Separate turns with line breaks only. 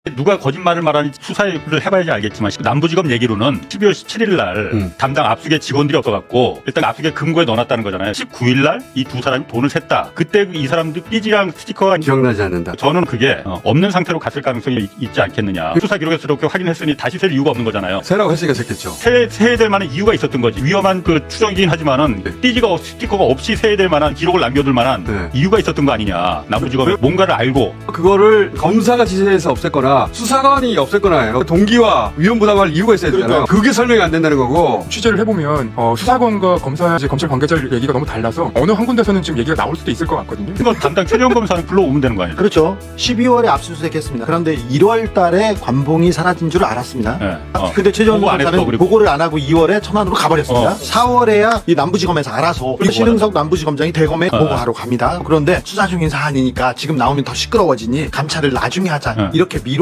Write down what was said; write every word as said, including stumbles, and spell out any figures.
누가 거짓말을 말하는지 수사를 해봐야지 알겠지만 남부지검 얘기로는 십이월 십칠일 날 음. 담당 압수계 직원들이 없어갖고 일단 압수계 금고에 넣어놨다는 거잖아요. 십구일 날 이 두 사람이 돈을 샜다. 그때 이 사람들 삐지랑 스티커가
기억나지 않는다.
저는 그게 없는 상태로 갔을 가능성이 있지 않겠느냐. 수사 기록에서 이렇게 확인했으니 다시 셀 이유가 없는 거잖아요.
세라고 했으니까 샜겠죠.
세, 세야 될 만한 이유가 있었던 거지. 위험한 그 추정이긴 하지만은
네.
삐지가 스티커가 없이 세야 될 만한 기록을 남겨둘 만한
네.
이유가 있었던 거 아니냐. 남부지검이 뭔가를 알고
그거를 검사가 지시해서 없앴거나 수사관이 없앴거나 해요. 동기와 위험 부담할 이유가 있어야 되잖아요.
그러니까.
그게 설명이 안 된다는 거고.
취재를 해보면 어, 수사관과 검사, 이제 검찰 관계자 얘기가 너무 달라서 어느 한 군데서는 지금 얘기가 나올 수도 있을 것 같거든요.
이거 담당 최재형 검사는 불러오면 되는 거 아니에요?
그렇죠. 십이월에 압수수색했습니다. 그런데 일월 달에 관봉이 사라진 줄 알았습니다.
네. 어.
근데 최재형
보고 안 했어,
검사는
그리고.
보고를 안 하고 이월에 천안으로 가버렸습니다.
어.
사월에야 이 남부지검에서 알아서
그리고
신흥석 남부지검장이 대검에
어.
보고하러 갑니다. 그런데 수사 중인 사안이니까 지금 나오면 더 시끄러워지니 감찰을 나중에 하자.
어.
이렇게 미뤄